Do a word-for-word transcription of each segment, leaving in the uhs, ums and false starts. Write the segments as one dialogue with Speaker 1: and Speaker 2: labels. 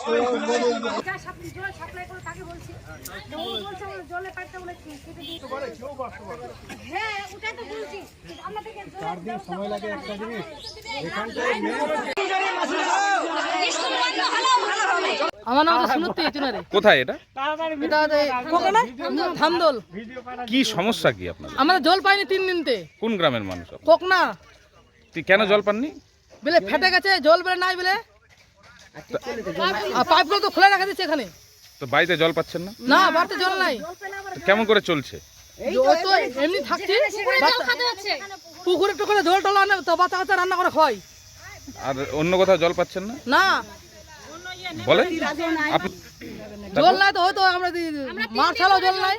Speaker 1: সময় লাগে একটা জিনিস
Speaker 2: আমার নাম সুনতি চুনারে।
Speaker 3: কোথায় এটা?
Speaker 2: এটা কোকনা ধামদল।
Speaker 3: কি সমস্যা কি আপনাদের?
Speaker 2: আমরা জল পাইনি তিন দিনতে।
Speaker 3: কোন গ্রামের মানুষ?
Speaker 2: কোকনা।
Speaker 3: তুই কেন জল পাননি?
Speaker 2: বলে ফেটে গেছে, জল বেলে নাই বলে। আর পাইপগুলো তো খোলা রাখা দিচ্ছে এখানে।
Speaker 3: তো বাড়িতে জল পাচ্ছেন না?
Speaker 2: না, বাড়িতে জল নাই।
Speaker 3: কেমন করে চলছে?
Speaker 2: তো এমনি থাকছি, পুকুরে টুকুরে জল টল আনে তো বাচ্চা কাচ্চা রান্না করে খাওয়াই।
Speaker 3: আর অন্য কোথাও জল পাচ্ছেন না?
Speaker 2: না
Speaker 3: বলে
Speaker 2: জল নাই তো হয়তো আমরা মাঠ ছাড়াও জল নাই,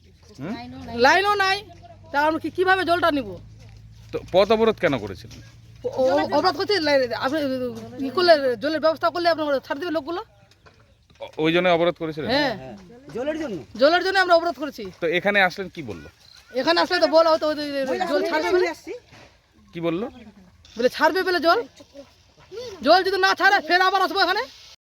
Speaker 2: লাইনও নাই, তা আমরা কিভাবে জলটা নিব?
Speaker 3: তো পথ অবরোধ কেন করেছিলেন?
Speaker 2: অবরোধ করছি, আপনি ই করলে জলের ব্যবস্থা করলে আপনার ছাড় দেবে লোকগুলো।
Speaker 3: ওই জন্য অবরোধ করেছিলেন?
Speaker 2: হ্যাঁ, জলের জন্য জলের জন্য আমরা অবরোধ করেছি।
Speaker 3: তো এখানে আসলেন কি বললো?
Speaker 2: এখানে আসলে তো বলা হতো জল ছাড়বে বলে।
Speaker 3: কি বললো?
Speaker 2: বলে ছাড়বে বলে জল, জল যদি না ছাড়ে ফের আবার আসবো এখানে।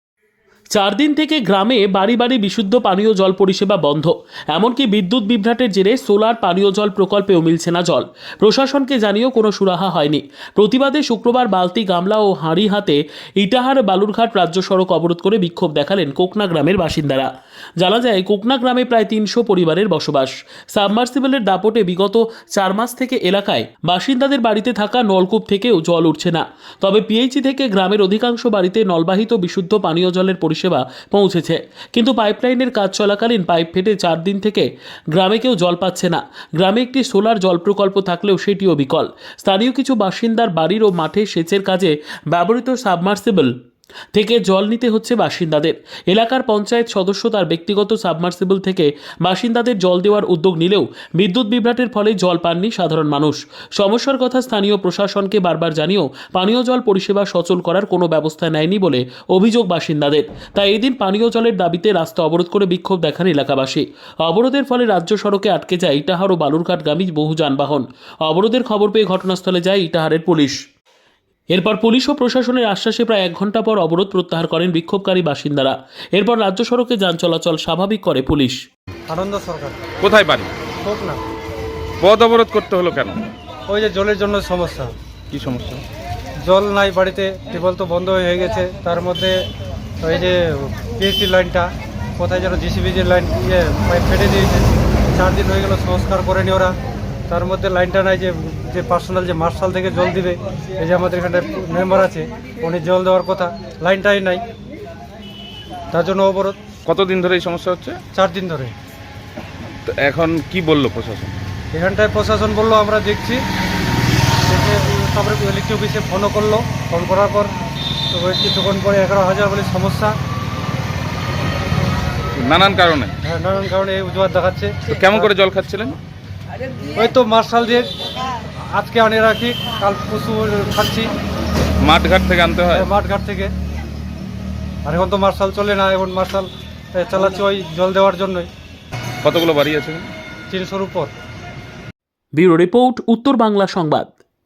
Speaker 4: চার দিন থেকে গ্রামে বাড়ি বাড়ি বিশুদ্ধ পানীয় জল পরিষেবা বন্ধ। এমনকি বিদ্যুৎ বিভ্রাটের জেরে সোলার পানীয় জল প্রকল্পেও মিলছে না জল। প্রশাসনকে জানিয়েও কোনো সুরাহা হয়নি। প্রতিবাদে শুক্রবার বালতি, গামলা ও হাঁড়ি হাতে ইটাহার বালুরঘাট রাজ্য সড়ক অবরোধ করে বিক্ষোভ দেখালেন কোকনা গ্রামের বাসিন্দারা। জানা যায় কোকনা গ্রামে প্রায় তিনশো পরিবারের বসবাস। সাবমার্সিবলের দাপটে বিগত চার মাস থেকে এলাকায় বাসিন্দাদের বাড়িতে থাকা নলকূপ থেকেও জল উঠছে না। তবে পিএইচই থেকে গ্রামের অধিকাংশ বাড়িতে নলবাহিত বিশুদ্ধ পানীয় জলের পরিষেবা পৌঁছেছে, কিন্তু পাইপলাইনের কাজ চলাকালীন পাইপ ফেটে চার দিন থেকে গ্রামে কেউ জল পাচ্ছে না। গ্রামে একটি সোলার জল প্রকল্প থাকলেও সেটিও বিকল। স্থানীয় কিছু বাসিন্দার বাড়ির ও মাঠে সেচের কাজে ব্যবহৃত সাবমার্সিবল থেকে জল নিতে হচ্ছে বাসিন্দাদের। এলাকার পঞ্চায়েত সদস্য তার ব্যক্তিগত সাবমার্সিবল থেকে বাসিন্দাদের জল দেওয়ার উদ্যোগ নিলেও বিদ্যুৎ বিভ্রাটের ফলে জল পাননি সাধারণ মানুষ। সমস্যার কথা স্থানীয় প্রশাসনকে বারবার জানিয়েও পানীয় জল পরিষেবা সচল করার কোনো ব্যবস্থা নেয়নি বলে অভিযোগ বাসিন্দাদের। তাই এই দিন পানীয় জলের দাবিতে রাস্তা অবরোধ করে বিক্ষোভ দেখান এলাকাবাসী। অবরোধের ফলে রাজ্য সড়কে আটকে যায় ইটাহার ও বালুরঘাটগামী বহু যানবাহন। অবরোধের খবর পেয়ে ঘটনাস্থলে যায় ইটাহারের পুলিশ। এরপর পুলিশ ও প্রশাসনের আশ্বাসে প্রায় এক ঘন্টা পর অবরোধ প্রত্যাহার করেন বিক্ষোভকারী বাসিন্দারা। এরপর রাজ্য সড়কে যান চলাচল স্বাভাবিক করে পুলিশ।
Speaker 1: আনন্দ সরকার।
Speaker 3: কোথায় বাড়ি?
Speaker 1: কোকনা।
Speaker 3: পথ অবরোধ করতে হলো কেন?
Speaker 1: ওই যে জলের জন্য সমস্যা।
Speaker 3: কি সমস্যা?
Speaker 1: জল নাই বাড়িতে, টিউবওয়েল তো বন্ধ হয়ে গেছে। তার মধ্যে ওই যে পিএইচসি লাইনটা কোথায় যেন জিসিবি যে লাইন ইয়ে পাইপ ফেটে দিয়েছে, চার দিন হয়ে গেল সংস্কার করেনি ওরা। তার মধ্যে লাইনটা নাই, যে যে পার্সোনাল যে মার্শাল থেকে জল দিবে, এই যে আমাদের এখানে মেম্বার আছে উনি জল দেওয়ার কথা, লাইনটাই নাই, তার জন্য অবরোধ।
Speaker 3: কতদিন ধরে এই সমস্যা হচ্ছে?
Speaker 1: চার দিন ধরে।
Speaker 3: তো এখন কি বললো প্রশাসন?
Speaker 1: এখানটায় প্রশাসন বললো আমরা দেখছি, দেখে তারপরে ইলেকট্রিক অফিসে ফোনও করলো। ফোন করার পর তো ওই কিছুক্ষণ পরে এগারো হাজার বলে সমস্যা,
Speaker 3: নানান কারণে।
Speaker 1: হ্যাঁ, নানান কারণে এই অজুহাত দেখাচ্ছে।
Speaker 3: তো কেমন করে জল খাচ্ছিলেন?
Speaker 1: ওই তো মার্শাল দিয়ে আজকে আনে রাখি, কাল পশু খাচ্ছি।
Speaker 3: মাঠঘাট থেকে আনতে হয়?
Speaker 1: মাঠঘাট থেকে। আর এখন তো মার্শাল চলে না, এখন মার্শাল চালাচ্ছে ওই জল দেওয়ার জন্যই।
Speaker 3: কতগুলো বাড়ি আছে?
Speaker 1: তিনশোর উপর।
Speaker 4: ব্যুরো রিপোর্ট, উত্তর বাংলা সংবাদ।